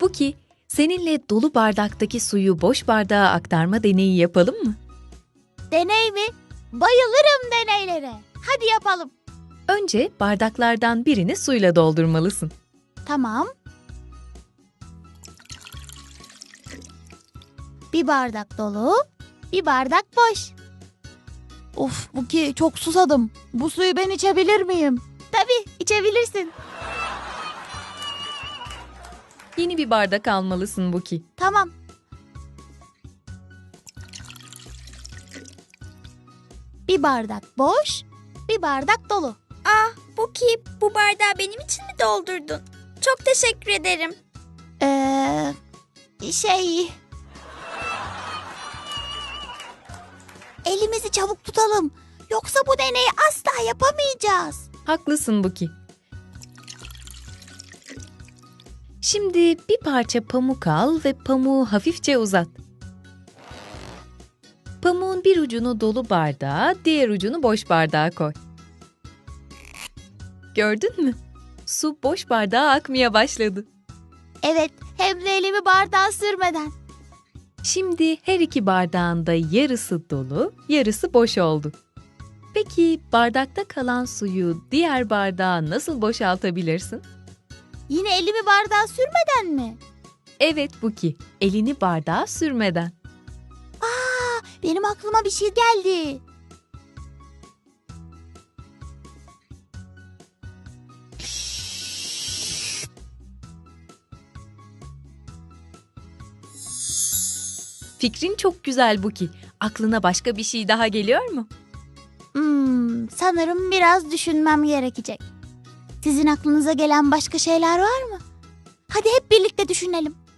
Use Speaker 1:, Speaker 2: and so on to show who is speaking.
Speaker 1: Buki, seninle dolu bardaktaki suyu boş bardağa aktarma deneyi yapalım mı?
Speaker 2: Deney mi? Bayılırım deneylere. Hadi yapalım.
Speaker 1: Önce bardaklardan birini suyla doldurmalısın.
Speaker 2: Tamam. Bir bardak dolu, bir bardak boş. Of Buki, çok susadım. Bu suyu ben içebilir miyim? Tabii, içebilirsin.
Speaker 1: Yeni bir bardak almalısın Buki.
Speaker 2: Tamam. Bir bardak boş, bir bardak dolu.
Speaker 3: Buki, bu bardağı benim için mi doldurdun? Çok teşekkür ederim.
Speaker 2: Elimizi çabuk tutalım. Yoksa bu deneyi asla yapamayacağız.
Speaker 1: Haklısın Buki. Şimdi bir parça pamuk al ve pamuğu hafifçe uzat. Pamuğun bir ucunu dolu bardağa, diğer ucunu boş bardağa koy. Gördün mü? Su boş bardağa akmaya başladı.
Speaker 2: Evet, hem de elimi bardağa sürmeden.
Speaker 1: Şimdi her iki bardağın da yarısı dolu, yarısı boş oldu. Peki bardakta kalan suyu diğer bardağa nasıl boşaltabilirsin?
Speaker 2: Yine elimi bardağa sürmeden mi?
Speaker 1: Evet Buki, elini bardağa sürmeden.
Speaker 2: Benim aklıma bir şey geldi.
Speaker 1: Fikrin çok güzel Buki. Aklına başka bir şey daha geliyor mu?
Speaker 2: Sanırım biraz düşünmem gerekecek. Sizin aklınıza gelen başka şeyler var mı? Hadi hep birlikte düşünelim.